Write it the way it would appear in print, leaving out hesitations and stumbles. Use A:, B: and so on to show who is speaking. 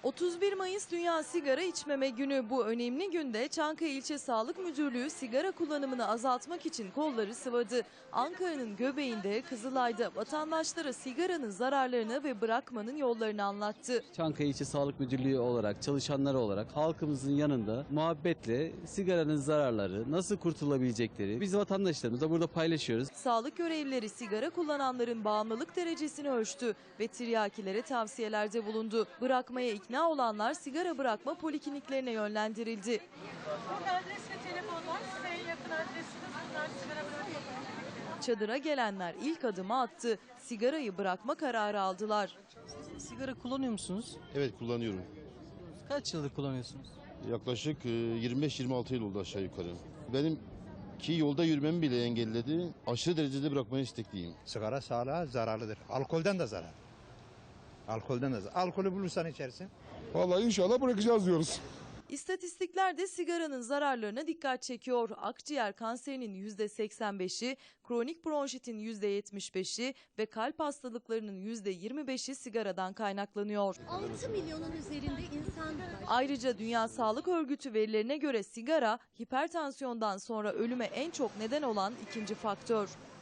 A: 31 Mayıs Dünya Sigara İçmeme Günü. Bu önemli günde Çankaya İlçe Sağlık Müdürlüğü sigara kullanımını azaltmak için kolları sıvadı. Ankara'nın göbeğinde, Kızılay'da vatandaşlara sigaranın zararlarını ve bırakmanın yollarını anlattı.
B: Çankaya İlçe Sağlık Müdürlüğü olarak, çalışanları olarak halkımızın yanında muhabbetle sigaranın zararları, nasıl kurtulabilecekleri biz vatandaşlarımızla burada paylaşıyoruz.
A: Sağlık görevlileri sigara kullananların bağımlılık derecesini ölçtü ve tiryakilere tavsiyelerde bulundu. Bırakmaya ikna olanlar sigara bırakma polikliniklerine yönlendirildi.
C: Bu adres ve telefonlar size en yakın adresiniz. Bunlar sigara bırakma.
A: Çadıra gelenler ilk adımı attı. Sigarayı bırakma kararı aldılar.
D: Sigara kullanıyor musunuz?
E: Evet, kullanıyorum.
D: Kaç yıldır kullanıyorsunuz?
E: Yaklaşık 25-26 yıl oldu aşağı yukarı. Benim ki yolda yürümemi bile engelledi. Aşırı derecede bırakmaya istekliyim.
F: Sigara sağlığa zararlıdır. Alkolden de zarar. Alkolden de zarar. Alkolü bulursan içersin.
G: Vallahi inşallah bırakacağız diyoruz.
A: İstatistikler de sigaranın zararlarına dikkat çekiyor. Akciğer kanserinin %85'i, kronik bronşitin %75'i ve kalp hastalıklarının %25'i sigaradan kaynaklanıyor.
H: 6 milyonun üzerinde insan var.
A: Ayrıca Dünya Sağlık Örgütü verilerine göre sigara, hipertansiyondan sonra ölüme en çok neden olan ikinci faktör.